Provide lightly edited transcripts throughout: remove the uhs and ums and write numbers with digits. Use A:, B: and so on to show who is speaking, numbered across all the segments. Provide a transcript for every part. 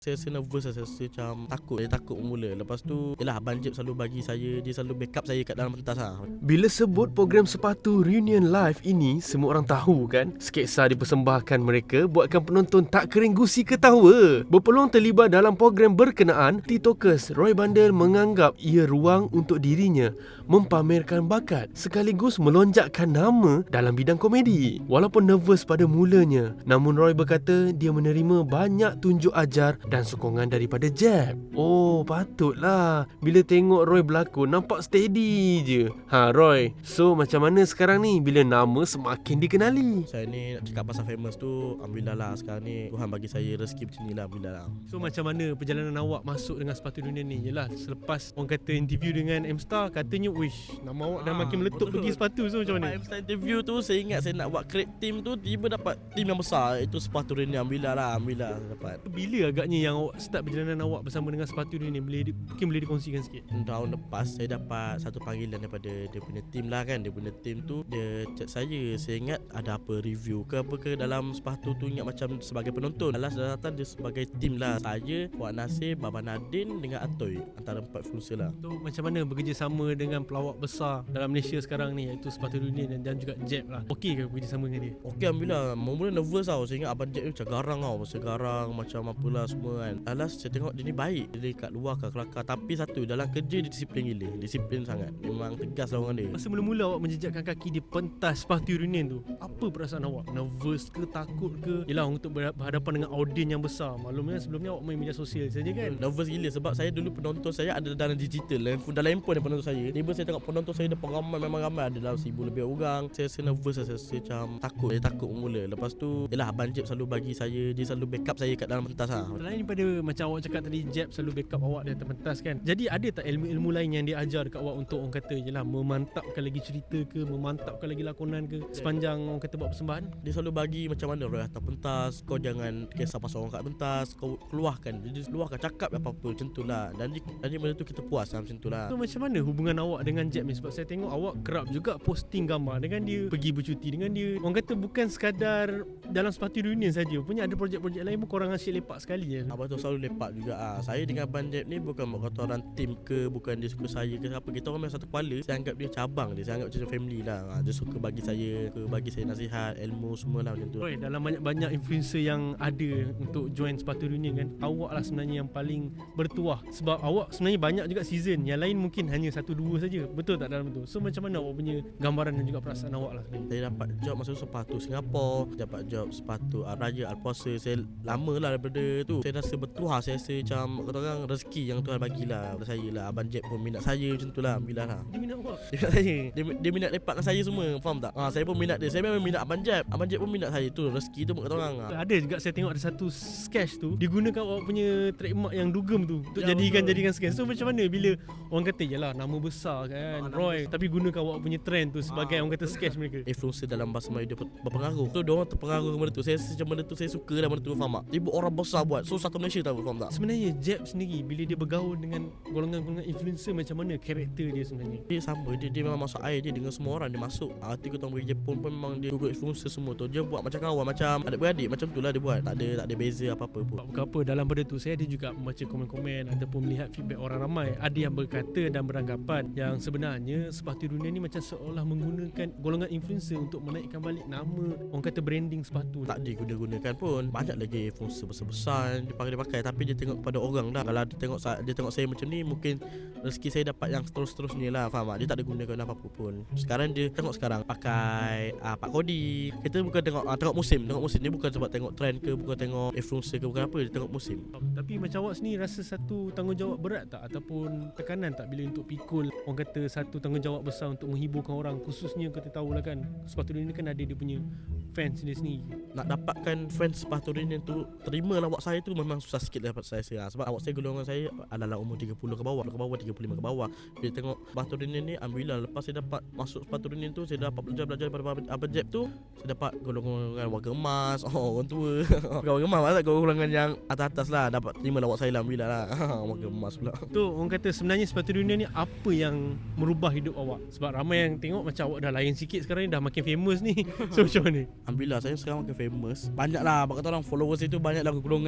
A: Saya rasa nervous lah, saya rasa macam takut. Saya takut mula. Lepas tu, yelah Abang Jeb selalu bagi saya, dia selalu backup saya kat dalam pentas lah.
B: Bila sebut program sepatu Reunion Live ini, semua orang tahu kan, sketsa dipersembahkan mereka buatkan penonton tak kering gusi ketawa. Berpeluang terlibat dalam program berkenaan, TikTokers Roy Bandel menganggap ia ruang untuk dirinya mempamerkan bakat sekaligus melonjakkan nama dalam bidang komedi. Walaupun nervous pada mulanya, namun Roy berkata dia menerima banyak tunjuk ajar dan sokongan daripada Jeb. Oh, patutlah. Bila tengok Roy berlakon, nampak steady je. Roy, so macam mana sekarang ni bila nama semakin dikenali?
A: Saya ni nak cakap pasal famous tu, alhamdulillah lah sekarang ni Tuhan bagi saya rezeki macam ni lah, alhamdulillah lah.
C: So macam mana perjalanan awak masuk dengan sepatu dunia ni? Yelah, selepas orang kata interview dengan M-Star, katanya wish, nama awak dah makin meletup pergi sepatu. So macam mana?
A: M-Star interview tu, saya ingat saya nak buat create team tu, tiba dapat team yang besar, itu sepatu dunia, alhamdulillah lah, alhamdulillah dapat.
C: Bila agaknya yang awak start perjalanan awak bersama dengan sepatu dunia ni? Mungkin boleh dikongsikan sikit.
A: Tahun lepas saya dapat satu panggilan daripada dia punya team lah kan. Dia punya team tu dia chat saya ingat ada apa review ke apa ke dalam sepatu tu, ingat macam sebagai penonton. Alas dah datang dia sebagai team lah. Saya, Puan Nasir, Baba Nadine dengan Atoy, antara 4 influencer lah.
C: So macam mana bekerjasama dengan pelawak besar dalam Malaysia sekarang ni, iaitu sepatu dunia dan juga Jeb lah? Okey ke bekerjasama dengan dia?
A: Okey, alhamdulillah. Mula nervous tau. Saya ingat Abang Jeb ni macam garang tau. Masa garang macam apalah semua kan. Alas saya tengok dia ni baik. Dia kat luar kat kelakar. Tapi satu, dalam kerja dia disiplin gila. Disiplin sangat. Memang tegas lah orang dia.
C: Masa mula-mula awak menjejakkan kaki di pentas sepatu reunion tu, apa perasaan awak? Nervous ke, takut ke? Yelah, untuk berhadapan dengan audiens yang besar. Maklumnya sebelumnya awak main media sosial saja kan?
A: Nervous gila sebab saya dulu penonton saya ada dalam digital. Dalam handphone dia penonton saya. Tiba saya tengok penonton saya depan ramai, memang ramai, ada dalam 1000 lebih orang. Saya rasa nervous lah, saya rasa macam takut. Saya takut mula. Lepas tu, yelah Abang Jeb selalu bagi saya, dia selalu backup saya kat dalam pentas lah.
C: Selain daripada macam awak cakap tadi, Jeb selalu backup awak di atas pentas kan. Jadi ada tak ilmu-ilmu lain yang dia ajar dekat awak untuk orang kata yelah memantapkan lagi cerita ke, memantapkan lagi lakonan ke sepanjang orang kata buat persembahan?
A: Dia selalu bagi macam mana Roy atas pentas, kau jangan kisah pasal orang kat pentas, kau keluarkan. Dia keluarkan, cakap apa-apa macam tu lah. Dan benda tu kita puas lah macam tu lah.
C: So macam mana hubungan awak dengan Jeb ni? Sebab saya tengok awak kerap juga posting gambar dengan dia, pergi bercuti dengan dia. Orang kata bukan sekadar dalam sepatu reunion saja, punya ada projek-projek lain pun korang asyik lepak sekali je.
A: Abang tu selalu lepak juga ah. Saya dengan Abang Jeb ni bukan kata orang team ke, bukan dia suka saya ke apa. Kita orang memang satu kepala. Saya anggap dia cabang dia. Saya anggap macam family lah. Dia suka bagi saya nasihat, ilmu semua lah macam tu.
C: Roy, dalam banyak-banyak influencer yang ada untuk join sepatu reunion kan, awak lah sebenarnya yang paling bertuah. Sebab awak sebenarnya banyak juga season. Yang lain mungkin hanya 1-2 saja. Betul tak dalam tu? So macam mana awak punya gambaran dan juga perasaan awak lah sebenarnya?
A: Saya dapat job masa sepatu Singapura, dapat job sepatu Raya Al-Puasa. Saya lama lah daripada tu. Saya rasa bertuah. Saya rasa macam kata orang rezeki yang Tuhan bagilah pada saya lah. Abang Jeb pun minat saya macam tu lah. Alhamdulillah lah.
C: Dia minat awak?
A: Dia minat saya. Dia minat lepak dengan saya semua. Faham tak? Saya pun minat dia. Saya memang minat Abang Jeb. Abang Jeb pun minat saya. Tu rezeki tu kata orang.
C: Ada juga saya tengok ada satu sketch tu digunakan awak punya trademark yang dugem tu untuk
A: Ya,
C: jadikan sketch. So macam mana bila orang kata yalah nama besar kan Roy, tapi gunakan awak punya trend tu sebagai orang kata sketch mereka.
A: Influencer dalam bahasa Melayu dia berpengaruh. So diorang terpengaruh dengan benda tu. Saya rasa macam benda tu saya suka dah benda tu, faham tak? Tiba orang besar buat. So satu Malaysia tahu, faham tak?
C: Sebenarnya Jeb sendiri bila dia bergaul dengan golongan-golongan influencer, macam mana karakter dia sebenarnya?
A: Dia sama. Dia memang masuk air dia dengan semua orang. Dia masuk. Arti kau pergi Jepun pun memang dia ikut influencer semua tu. Dia buat macam kawan, macam adik-beradik, macam tu lah dia buat. Tak ada beza apa-apa pun.
C: Bukan apa, dalam benda tu saya ada juga membaca komen-komen ataupun melihat feedback orang ramai. Ada yang berkata dan beranggapan yang sebenarnya sepatu dunia ni macam seolah menggunakan golongan influencer untuk menaikkan balik nama, orang kata branding sepatu.
A: Tak digunakan pun. Banyak lagi influencer besar-besar dia pakai. Tapi dia tengok kepada orang dah. Kalau dia tengok saya macam ni, mungkin rezeki saya dapat yang terus-terusnya lah, faham tak? Dia tak ada gunakan apa-apa pun. Sekarang dia tengok sekarang pakai Pak Kodi. Kita bukan tengok musim. Dia bukan sebab tengok trend ke, bukan tengok influencer ke, bukan apa. Dia tengok musim.
C: Tapi macam awak sendiri rasa satu tanggungjawab berat tak? Ataupun tekanan tak bila untuk pikul, orang kata satu tanggungjawab besar untuk menghiburkan orang, khususnya kita tahulah kan sepatu dunia kan ada dia punya fans dia sendiri.
A: Nak dapatkan fans sepatu reunion tu, terima lawak saya tu memang susah sikit dapat saya. Sebab awak saya golongan saya adalah umur 30 ke bawah 35 ke bawah. Bila tengok sepatu reunion ni, alhamdulillah lepas saya dapat masuk sepatu reunion tu, saya dapat belajar daripada Abang Jeb tu, saya dapat golongan warga emas, orang tua. Bukan warga emas, tak golongan yang atas-atas lah. Dapat terima lawak saya, alhamdulillah lah. Warga emas pula.
C: Tu orang kata sebenarnya sepatu reunion ni apa yang merubah hidup awak? Sebab ramai yang tengok macam awak dah lain sikit sekarang ni, dah makin famous ni. So macam mana?
A: Alhamdulillah saya sekarang makin famous. Banyak lah, kata orang followers itu banyak lah golongan daripada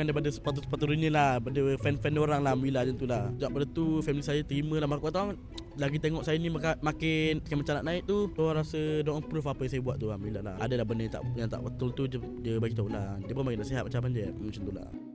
A: sepatu-sepatu Reunion lah, pada fan-fan orang lah. Alhamdulillah macam tu lah. Sejak pada tu family saya terima lah. Aku kata orang lagi tengok saya ni makin macam nak naik tu, orang rasa diorang approve apa yang saya buat tu. Alhamdulillah lah. Ada lah benda yang tak betul tu dia bagi tahu lah. Dia pun bagi nasihat macam dia macam tu lah.